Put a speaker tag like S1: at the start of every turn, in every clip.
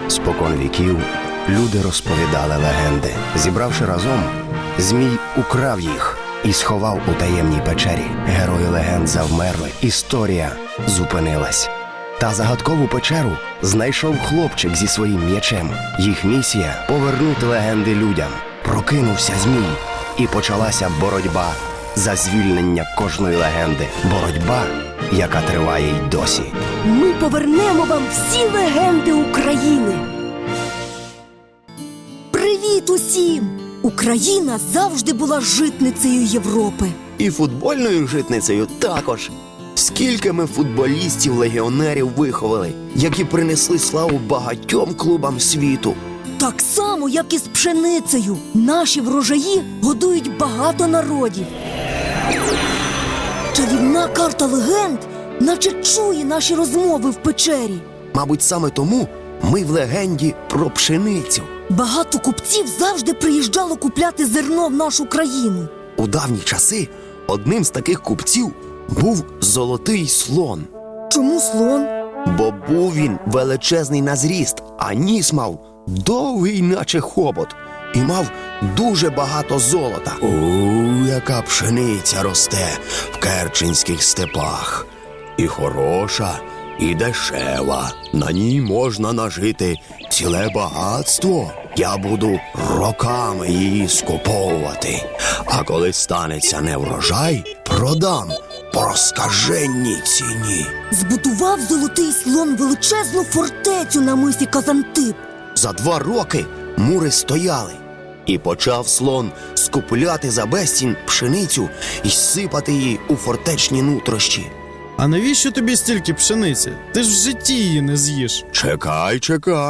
S1: Спокон віків люди розповідали легенди. Зібравши разом, Змій украв їх і сховав у таємній печері. Герої легенд завмерли, історія зупинилась. Та загадкову печеру знайшов хлопчик зі своїм м'ячем. Їх місія – повернути легенди людям. Прокинувся Змій, і почалася боротьба за звільнення кожної легенди. Боротьба, яка триває й досі.
S2: Ми повернемо вам всі легенди України. Привіт усім! Україна завжди була житницею Європи.
S1: І футбольною житницею також. Скільки ми футболістів-легіонерів виховали, які принесли славу багатьом клубам світу.
S2: Так само, як і з пшеницею. Наші врожаї годують багато народів. Чарівна карта легенд наче чує наші розмови в печері.
S1: Мабуть, саме тому ми в легенді про пшеницю.
S2: Багато купців завжди приїжджало купляти зерно в нашу країну.
S1: У давні часи одним з таких купців був золотий слон.
S2: Чому слон?
S1: Бо був він величезний на зріст, а ніс мав довгий, наче хобот, і мав дуже багато золота. Яка пшениця росте в керченських степах. І хороша, і дешева. На ній можна нажити ціле багатство. Я буду роками її скуповувати. А коли станеться неврожай, продам по розкаженній ціні.
S2: Збудував золотий слон величезну фортецю на мисі Казантип.
S1: За 2 роки мури стояли. І почав слон скупляти за безцінь пшеницю і сипати її у фортечні нутрощі.
S3: А навіщо тобі стільки пшениці? Ти ж в житті її не з'їш.
S1: Чекай,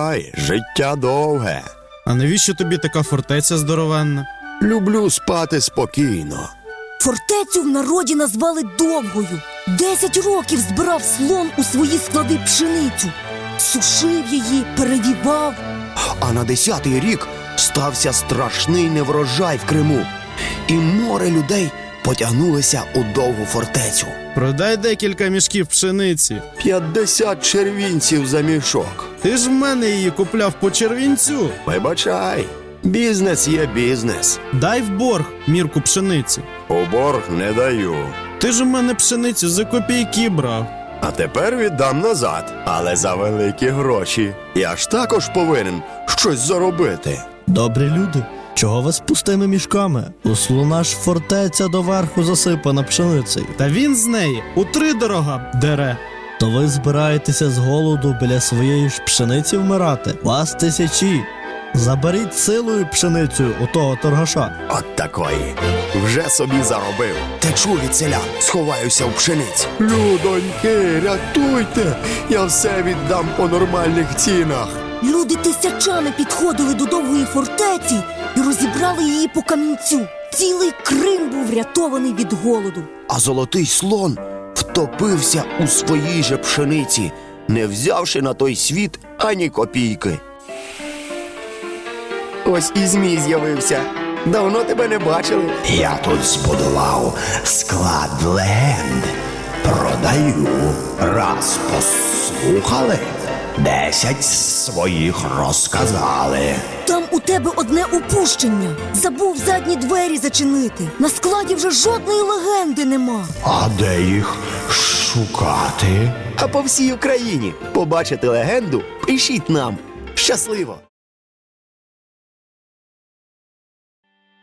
S1: життя довге.
S3: А навіщо тобі така фортеця здоровенна?
S1: Люблю спати спокійно.
S2: Фортецю в народі назвали Довгою. 10 років збирав слон у свої склади пшеницю. Сушив її, перевівав.
S1: А на 10-й рік стався страшний неврожай в Криму. І море людей потягнулися у Довгу фортецю.
S3: Продай декілька мішків пшениці.
S1: 50 червінців за мішок.
S3: Ти ж в мене її купляв по червінцю.
S1: Вибачай, бізнес є бізнес.
S3: Дай в борг мірку пшениці.
S1: У борг не даю.
S3: Ти ж у мене пшеницю за копійки брав.
S1: А тепер віддам назад, але за великі гроші. Я ж також повинен щось заробити.
S4: Добрі люди, чого ви з пустими мішками? У слона ж фортеця доверху засипана пшеницею.
S3: Та він з неї утридорога дере.
S4: То ви збираєтеся з голоду біля своєї ж пшениці вмирати? Вас тисячі. Заберіть силою пшеницю у того торгаша.
S1: От такої. Вже собі заробив. Течу від селян, сховаюся в пшениці. Людоньки, рятуйте! Я все віддам по нормальних цінах.
S2: Люди тисячами підходили до Довгої фортеці і розібрали її по камінцю. Цілий Крим був врятований від голоду.
S1: А золотий слон втопився у своїй же пшениці, не взявши на той світ ані копійки. Ось і Змій з'явився. Давно тебе не бачили. Я тут збудував склад легенд. Продаю. Раз послухали, 10 своїх розказали.
S2: Там у тебе одне упущення. Забув задні двері зачинити. На складі вже жодної легенди нема.
S1: А де їх шукати? А по всій Україні. Побачити легенду? Пишіть нам. Щасливо!